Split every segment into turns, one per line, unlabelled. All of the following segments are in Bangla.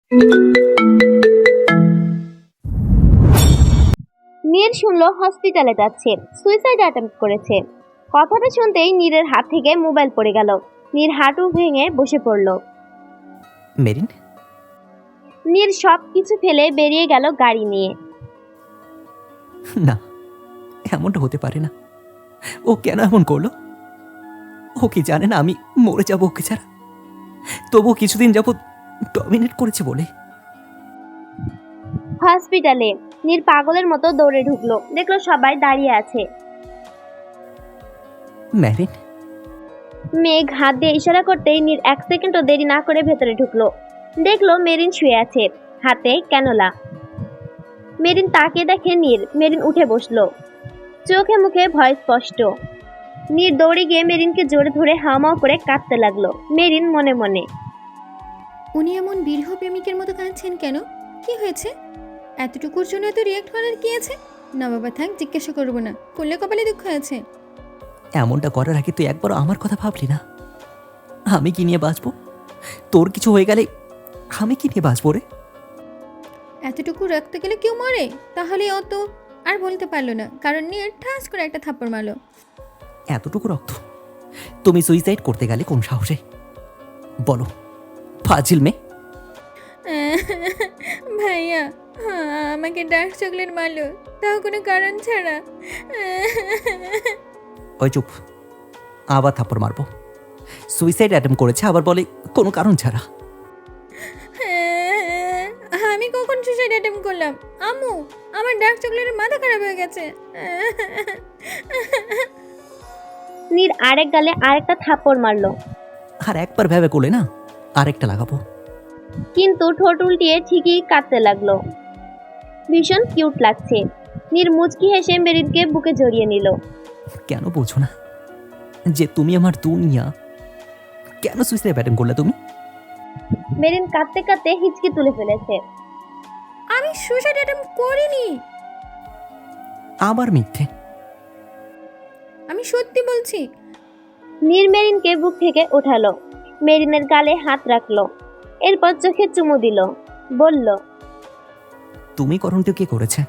নীর শুনল হসপিটালে যাচ্ছে, সুইসাইড অ্যাটেম্প্ট করেছে। কথাটা শুনতেই নীরের হাত থেকে মোবাইল পড়ে গেল। নীর হাঁটু ভেঙে বসে পড়ল।
মেরিন,
নীর সব কিছু ফেলে বেরিয়ে গেল গাড়ি নিয়ে।
না, এমনটা হতে পারে না। ও কেন এমন করলো? ও কি জানে না আমি মরে যাবো ওকে ছাড়া? তবুও কিছুদিন যাবৎ ডমিনেট করেছে বলে।
হসপিটালে নীর পাগলের মতো দৌড়ে ঢুকলো, দেখলো সবাই দাঁড়িয়ে আছে।
মেরিন,
মেঘ হাত দিয়ে ইশারা করতেই নীর 1 সেকেন্ডও দেরি না করে ভেতরে ঢুকলো। দেখলো মেরিন শুয়ে আছে, হাতে ক্যানোলা। মেরিন তাকিয়ে দেখে নীর। মেরিন উঠে বসলো, চোখে মুখে ভয় স্পষ্ট। নীর দৌড়ে গিয়ে মেরিনকে জোরে ধরে হাওমাও করে কাঁদতে লাগলো। মেরিন মনে মনে,
উনি এমন বিরহ প্রেমিকের মতো কাঁদছেন কেন? কি হয়েছে? এতটুকুর জন্য এত রিয়াক্ট করার কি আছে? না বাবা থাক, জিজ্ঞাসা করবো না। করলে কপালে দুঃখ আছে।
এমনটা করার আগে তুই একবার আমার কথা ভাবলি না? আমি কি নিয়ে বাঁচবো? তোর কিছু হয়ে গেলে আমি কি নিয়ে বাঁচবো রে?
এতটুকু রাখতে গেলে কেউ মরে? তাহলে অত আর বলতে পারলো না, কারণ নিয়ে ঠাস করে একটা থাপ্পড় মারলো।
এতটুকু রক্ত? তুমি সুইসাইড করতে গেলে কোন সাহসে? বলো, ফাজিল মেয়ে।
ভাইয়া, আমাকে ডার্ক চকলেট মারলো, তাও কোনো কারণ ছাড়া।
ওই চুপ, আবার থাপ্পড় মারবো। সুইসাইড অ্যাটেম্প করেছে, আবার বলে কোনো কারণ ছাড়া।
আমি কখন সুসাইড অ্যাটেম্প করলাম? আম্মু, আমার ডার্ক চকলেটের মাথা খারাপ হয়ে গেছে।
নীর আরেক গালে আরেকটা থাপ্পড় মারলো,
আর একবার ভেবে করলে না, আরেকটা লাগাবো।
কিন্তু ঠোঁট উল্টিয়ে ঠিকই কাঁদতে লাগলো। ভীষণ কিউট লাগছে। নীর মুচকি হেসে মেরিনকে বুকে জড়িয়ে নিল।
কেন বোঝো না যে তুমি আমার দুনিয়া? কেন সুইসাইড অ্যাটেম্প করলে তুমি?
মেরিন কাঁদতে কাঁদতে হিচকি তুলে ফেলেছে।
আমি সুসাইড অ্যাটেম্প করিনি।
আবার মিথ্যে।
আমি সত্যি বলছি।
নীর মেরিনকে বুক থেকে ওঠালো, মেরিনের গালে হাত রাখলো, এরপর চোখে চুমু দিল, বলল,
তুমি করণটা কে করেছে?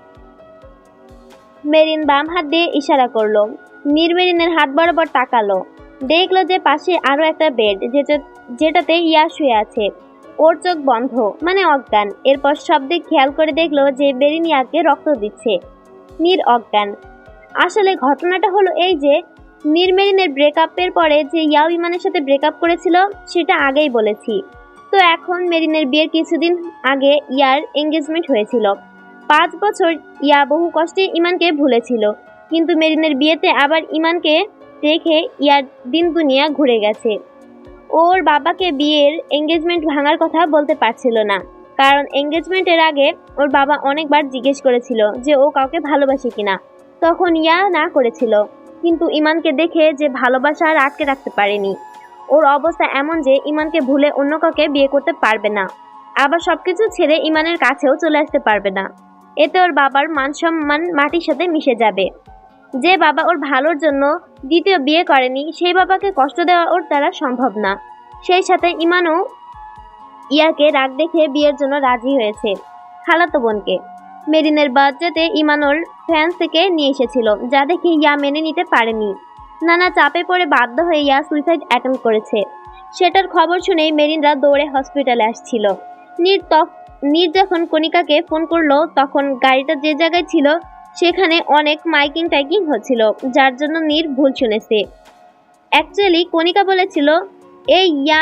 মেরিন বাম হাত দিয়ে ইশারা করলো। নীর মেরিনের হাত বরাবর তাকালো, দেখলো যে পাশে আরো একটা বেড, যেটাতে ইয়া শুয়ে আছে। ওর চোখ বন্ধ, মানে অজ্ঞান। এরপর সব দিক খেয়াল করে দেখলো যে মেরিন ইয়াকে রক্ত দিচ্ছে। নীর অজ্ঞান। আসলে ঘটনাটা হলো এই যে, নীর মেরিনের ব্রেকআপের পরে যে ইয়াও ইমানের সাথে ব্রেকআপ করেছিল সেটা আগেই বলেছি। তো এখন মেরিনের বিয়ের কিছুদিন আগে ইয়ার এঙ্গেজমেন্ট হয়েছিল। 5 বছর ইয়া বহু কষ্টে ইমানকে ভুলেছিল, কিন্তু মেরিনের বিয়েতে আবার ইমানকে দেখে ইয়ার দিন দুনিয়া ঘুরে গেছে। ওর বাবাকে বিয়ের এঙ্গেজমেন্ট ভাঙার কথা বলতে পারছিল না, কারণ এঙ্গেজমেন্টের আগে ওর বাবা অনেকবার জিজ্ঞেস করেছিল যে ও কাউকে ভালোবাসে কিনা। তখন ইয়া না করেছিল, কিন্তু ইমানকে দেখে যে ভালোবাসা আর আটকে রাখতে পারেনি। ওর অবস্থা এমন যে ইমানকে ভুলে অন্য কাউকে বিয়ে করতে পারবে না, আবার সবকিছু ছেড়ে ইমানের কাছেও চলে আসতে পারবে না। এতে ওর বাবার মান সম্মান মাটির সাথে মিশে যাবে। যে বাবা ওর ভালোর জন্য দ্বিতীয় বিয়ে করেনি, সেই বাবাকে কষ্ট দেওয়া ওর দ্বারা সম্ভব না। সেই সাথে ইমানও ইয়াকে রাগ দেখে বিয়ের জন্য রাজি হয়েছে খালাতো বোনকে। মেরিনের বার্থডেতে ইমান ওর ফ্যান্স থেকে নিয়ে এসেছিল, যা দেখে ইয়া মেনে নিতে পারেনি। নানা চাপে পড়ে বাধ্য হয়ে ইয়া সুইসাইড অ্যাটেম্প করেছে। সেটার খবর শুনেই মেরিনরা দৌড়ে হসপিটালে আসছিল। নীর যখন কণিকাকে ফোন করলো, তখন গাড়িটা যে জায়গায় ছিল সেখানে অনেক মাইকিং টাইকিং হচ্ছিল, যার জন্য নীর ভুল শুনেছে। অ্যাকচুয়ালি কণিকা বলেছিল এই ইয়া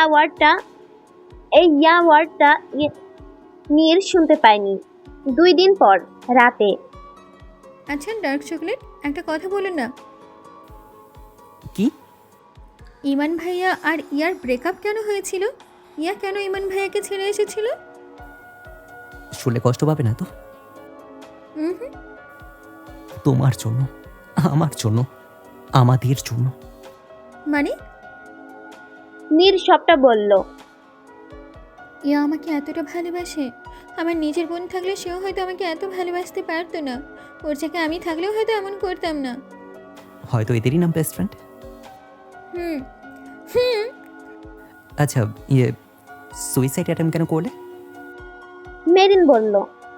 ওয়ার্ডটা নীর শুনতে পায়নি। 2 দিন পর রাতে।
আচ্ছা ডার্ক চকলেট, একটা কথা বলুন না।
কি?
ইমান ভাইয়া আর ইয়ার ব্রেকআপ কেন হয়েছিল? ইয়া কেন ইমান ভাইয়াকে ছেড়ে এসেছিল?
শুনলে কষ্ট পাবে না তো?
হুম।
তোমার জন্য, আমার জন্য, আমাদের জন্য।
মানে?
নীর সবটা বলল।
ইয়া আমাকে এতটা ভালোবাসে। আমার নিজের বোন থাকলে সেও হয়তো আমাকে এত ভালোবাসতে পারতো না। ওর জায়গায় আমি থাকলেও হয়তো এমন করতাম না।
হয়তো এদেরই নাম বেস্ট ফ্রেন্ড।
হুম হুম।
আচ্ছা, সুইসাইড অ্যাটেম্প কেন করলে?
মেরিন বলল।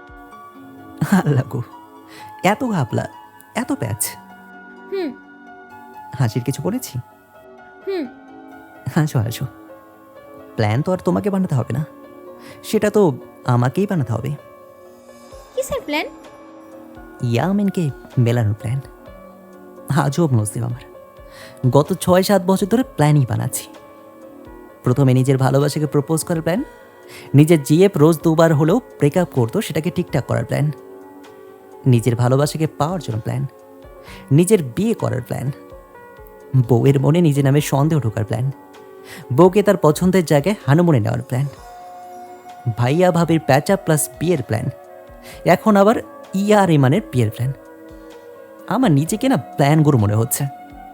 আল্লাহ গো, এত ঘাপলা, এত প্যাচ।
হুম
হাসির কিছু বলেছি?
হুম
হাসো হাসো। প্ল্যান তো আর তোমাকে বানাতে হবে না, সেটা তো আমাকেই বানাতে হবে।
কিসের প্ল্যান?
ইয়ামিনকে মেলানোর প্ল্যান। আজব নসিব আমার, গত 6-7 বছর ধরে প্ল্যানই বানাচ্ছি। প্রথমে নিজের ভালোবাসাকে প্রপোজ করার প্ল্যান, নিজের জিএফ রোজ 2বার হলেও ব্রেকআপ করতো সেটাকে ঠিকঠাক করার প্ল্যান, নিজের ভালোবাসাকে পাওয়ার জন্য প্ল্যান, নিজের বিয়ে করার প্ল্যান, বউয়ের মনে নিজের নামে সন্দেহ ঢোকার প্ল্যান, বউকে তার পছন্দের জায়গায় হানুমনে নেওয়ার প্ল্যান, ভাইয়া ভাবির প্যাচা প্লাস বিয়ের প্ল্যান, এখন আবার ইয়ার ইমানের বিয়ের প্ল্যান। আমার নিজেকে না প্ল্যানগুলো মনে হচ্ছে।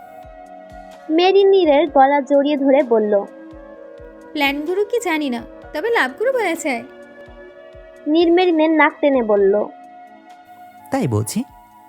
মেরিন নীরের গলা জড়িয়ে ধরে বলল।
প্ল্যানগুলো কি জানি না, তবে লাভগুলো বলা যায়।
নীর মেরিনের নাক টেনে বলল।
তাই বলছি।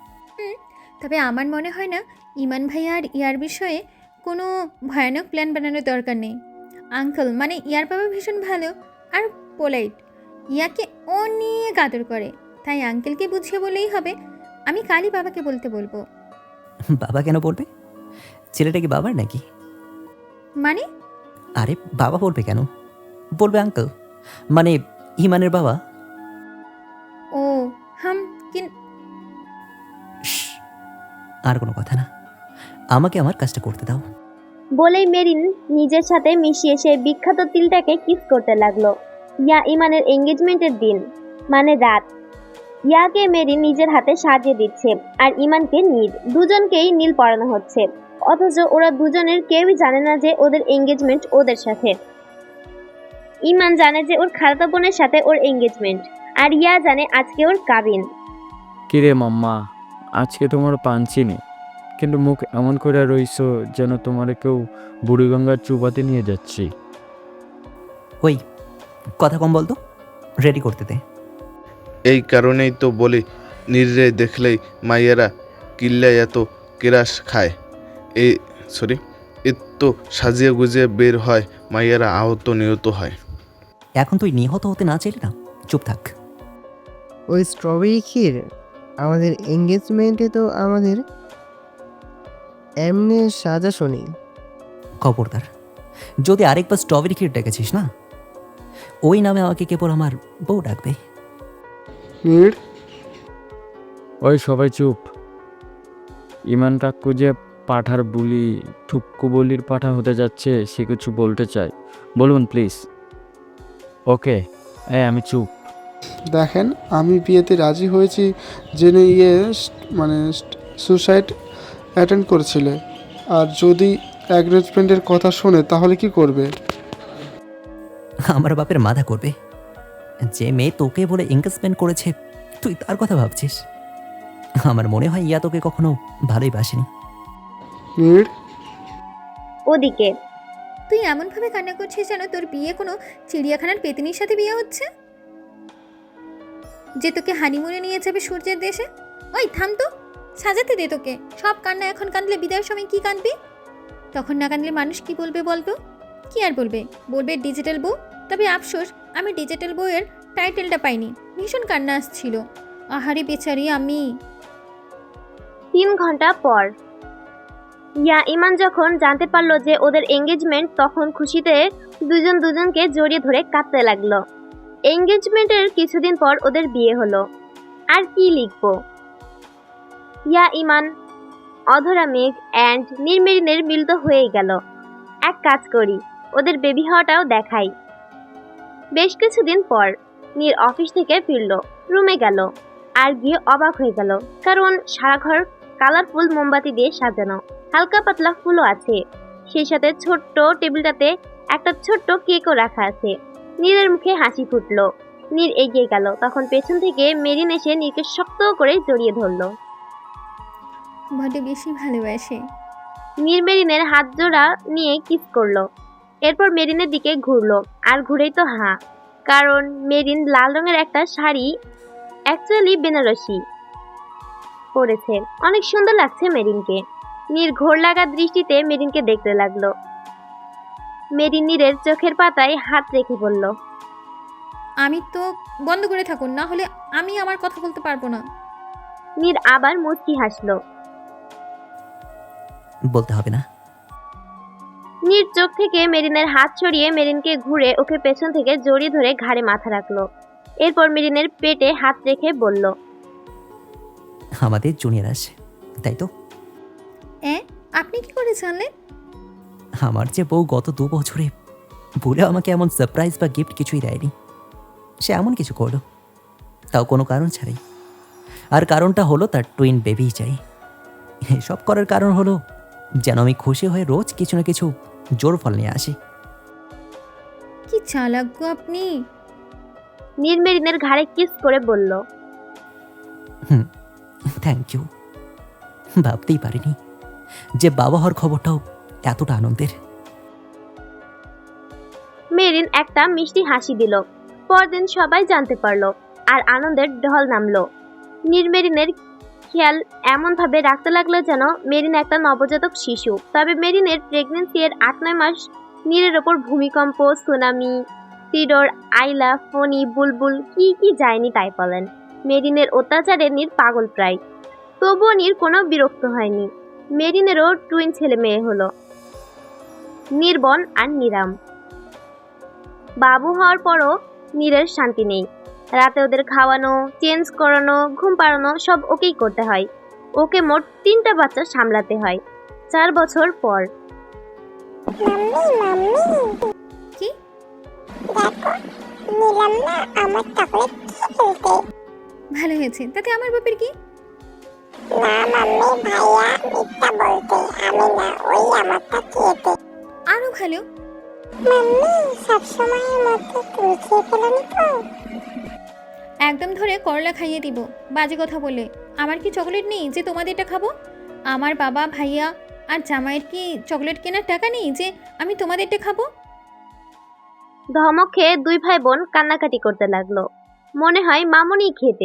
তবে আমার মনে হয় না ইমান ভাইয়া আর ইয়ার বিষয়ে কোনো ভয়ানক প্ল্যান বানানোর দরকার নেই। আঙ্কেল মানে ইয়ার বাবা ভীষণ ভালো আর পোলাইট, ইয়াকে অনেক আদর করে, তাই আঙ্কেলকে বুঝিয়ে বলেই হবে। আমি কালই বাবাকে বলবো।
বাবা কেন বলবে? ছেলেটা কি বাবার নাকি?
মানে?
আরে বাবা বলবে কেন, বলবে আঙ্কেল, মানে ইমানের বাবা।
ও হাম কিন
শ্, আর কোনো কথা না, আমাকে আমার কাজটা করতে দাও।
বলেই মেরিন নিজের সাথে মিশিয়ে সেই বিখ্যাত তিলটাকে কিস করতে লাগলো। ইয়া ইমানের এঙ্গেজমেন্টের দিন, মানে রাত। ইয়াকে মেরিন নিজের হাতে সাজিয়ে দিচ্ছে আর ইমানকে নীল, দুজনকেই নীল পরানো হচ্ছে। অথচ ওরা দুজনের কেউই জানে না যে ওদের এঙ্গেজমেন্ট ওদের সাথে। ইমান জানে যে ওর খালাতো বোনের সাথে ওর এঙ্গেজমেন্ট, আর ইয়া জানে আজকে ওর কাবিন।
কিরে মাম্মা, আজকে তোমার পাঞ্চিনি, কিন্তু মুখ এমন করে রইছো যেন তোমার কেউ বুড়িগঙ্গার চুবাতে নিয়ে যাচ্ছি।
ওই কথা কম বলতো, রেডি করতে দে।
এই কারণেই তো বলি, নির্রে দেখলেই মাইয়েরা কিল্লায় এত কেরাস খায়। এত সাজিয়ে গুজিয়ে বের হয়, মাইয়েরা আহত নিহত হয়।
এখন তুই নিহত হতে না চাইলে না, চুপ থাক।
ওই স্ট্রবেরি ক্ষীর আমাদের এঙ্গেজমেন্টে তো আমাদের এমনি সাজা শুনি।
খবরদার, যদি আরেকবার স্ট্রবেরি ক্ষীর ডেকেছিস না, ওই নামে আমাকে কেবল আমার বউ ডাকবে।
ওই সবাই চুপ। ইমান কাকু যে পাঠার বুলি, ঠুক্কু বলির পাঠা হতে যাচ্ছে, সে কিছু বলতে চায়, বলুন প্লিজ। ওকে, আমি চুপ।
দেখেন, আমি বিয়েতে রাজি হয়েছি জেনে মানে সুসাইড অ্যাটেন্ড করেছিলে, আর যদি অ্যাগ্রেজমেন্টের কথা শোনে তাহলে কি করবে?
আমার বাপের মাথা করবে। যে মেয়ে তোকে বলে এঙ্গেজমেন্ট করেছে, তুই তার কথা ভাবছিস? আমার মনে হয় ইয়া তোকে কখনো ভালোই বাসেনি।
নীড়,
ওদিকে
তুই এমনভাবে কান্না করছিস যেন তোর বিয়ে কোনো চিড়িয়াখানার পেতনির সাথে বিয়ে হচ্ছে, যে তোকে হানিমুনে নিয়ে যাবে সূর্যের দেশে। ওই থাম তো, সাজাতে দে তোকে। সব কান্না এখন কাঁদলে বিদায়ের সময় কি কাঁদবি? তখন না কাঁদলে মানুষ কি বলবে বলতো? কি আর বলবে, বলবে ডিজিটাল বউ। তবে আফসোস, আমি ডিজিটাল বউয়ের টাইটেলটা পাইনি। ভীষণ কান্না আসছিল। আহারে বেচারি আমি।
3 ঘন্টা পর ইয়া ইমান যখন জানতে পারলো যে ওদের এঙ্গেজমেন্ট, তখন খুশিতে দুজন দুজনকে জড়িয়ে ধরে কাঁদতে লাগলো। এঙ্গেজমেন্টের কিছুদিন পর ওদের বিয়ে হলো। আর কি লিখবো? ইয়া ইমান, অধরা মেঘ অ্যান্ড নির্মেরিনের মিল তো হয়েই গেল। এক কাজ করি, ওদের বেবি হওয়াটাও দেখাই। বেশ কিছুদিন পর নীর অফিস থেকে ফিরল, রুমে গেল আর গিয়ে অবাক হয়ে গেল, কারণ সারা ঘর কালারফুল মোমবাতি দিয়ে সাজানো, হালকা পাতলা ফুলও আছে। সেই সাথে ছোট্ট টেবিলটাতে একটা ছোট্ট কেকও রাখা আছে। নীরের মুখে হাসি ফুটলো। নীর এগিয়ে গেল, তখন পেছন থেকে মেরিন এসে নীরকে শক্ত করে জড়িয়ে ধরলো।
বড্ড বেশি ভালোবাসে।
নীর মেরিনের হাত জোড়া নিয়ে কিস করলো। এরপর মেরিনের দিকে ঘুরলো, আর ঘুরেই তো হা, কারণ মেরিন লাল রঙের একটা শাড়ি, অ্যাকচুয়ালি বেনারসি, পরেছে। অনেক সুন্দর লাগছে মেরিনকে। নীর ঘোর লাগা দৃষ্টিতে মেরিনকে দেখতে লাগলো। মেরিন নীরের চোখের পাতায় হাত রেখে বলল,
আমি তো বন্ধ করে থাকুন, না হলে আমি আমার কথা বলতে পারবো না।
নীর আবার মুচকি হাসলো।
বলতে হবে না।
নীর চোখ থেকে মেরিনের হাত সরিয়ে মেরিনকে ঘুরে ওকে পেছন থেকে জড়িয়ে ধরে ঘাড়ে মাথা রাখলো। এরপর মেরিনের পেটে হাত রেখে বলল,
আমাদের জুনিয়র আসে, তাই তো?
আপনি কি করে জানলেন?
আমার যে বউ গত 2 বছরে ভুলে আমাকে এমন সারপ্রাইজ বা গিফট কিছুই দেয়নি। সে এমন কিছু করলো, তাও কোনো কারণ ছাড়াই। আর কারণটা হলো তার টুইন বেবি চাই। এসব করার কারণ হলো যেন আমি খুশি হয়ে রোজ কিছু না কিছু জোর ফল নিয়ে আসি।
কি চালাক গো আপনি।
নীর মেরিনের ঘাড়ে কিস করে বলল,
থ্যাংক ইউ। ভাবতেই পারিনি যে বাবা হওয়ার খবরটাও এতটা আনন্দের।
মেরিন একটা মিষ্টি হাসি দিল। পরদিন সবাই জানতে পারলো আর আনন্দের ঢল নামলো। নীর মেরিনের খেয়াল এমনভাবে রাখতে লাগলো যেন মেরিন একটা নবজাতক শিশু। তবে মেরিনের প্রেগনেন্সি এর 8-9 মাস নীরের ওপর ভূমিকম্প, সুনামি, সিডর, আইলা, ফণি, বুলবুল কি কি যায়নি তাই বলেন। মেরিনের অত্যাচারে নীর পাগল প্রায়। তবুও নীর কোনো বিরক্ত হয়নি। মেরিনেরও টুইন ছেলে মেয়ে হলো, নির্বন আর নিরাম। বাবু হওয়ার পরও নীরের শান্তি নেই। রাতে ওদের খাওয়ানো, চেঞ্জ করানো, ঘুম পাড়ানো সব ওকেই করতে হয়। ওকে মোট 3টা বাচ্চা সামলাতে হয় 4 বছর পর।
কি? ভালো হয়েছে, তাতে আমার বাপের কি? আরো ভালো। একদম ধরে করলা খাইয়ে দিব বাজে কথা বলে। আমার কি চকলেট নেই যে তোমাদেরটা খাবো? আমার বাবা, ভাইয়া আর জামাইয়ের কি চকলেট কেনার টাকা নেই যে আমি তোমাদেরটা খাবো?
ধমক খেয়ে 2 ভাই বোন কান্নাকাটি করতে লাগলো। মনে হয় মামুনি খেতে।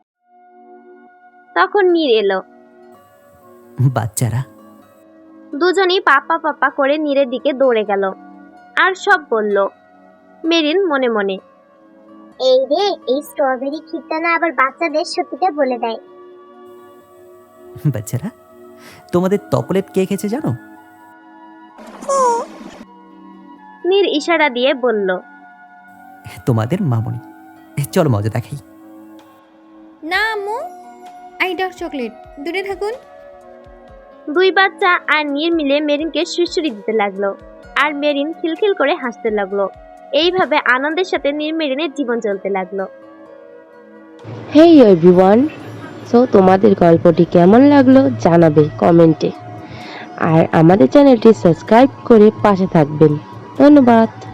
তখন নীর এলো।
বাচ্চারা
দুজনই পাপা পাপা করে নীরের দিকে দৌড়ে গেল আর সব বলল। মেরিন মনে মনে,
এই রে, এই স্ট্রবেরি ক্ষীরটা না আবার বাচ্চাদের সত্যিটা বলে দেয়।
বাচ্চারা তোমাদের চকোলেট কে খেয়েছে জানো?
নীর ইশারা দিয়ে বলল,
তোমাদের মামনি। চলো মজা দেখাই।
না আম্মু, আই ডার্ক চকলেট, দূরে থাকুন।
2 বাচ্চা আর নীর মিলে মেরিনকে সুড়সুড়ি দিতে লাগলো আর মেরিন খিলখিল করে হাসতে লাগলো। এইভাবে আনন্দের সাথে নীর মেরিনের জীবন চলতে লাগলো।
হেই এভরিওয়ান, সো তোমাদের গল্পটি কেমন লাগলো জানাবে কমেন্টে, আর আমাদের চ্যানেলটি সাবস্ক্রাইব করে পাশে থাকবেন। ধন্যবাদ।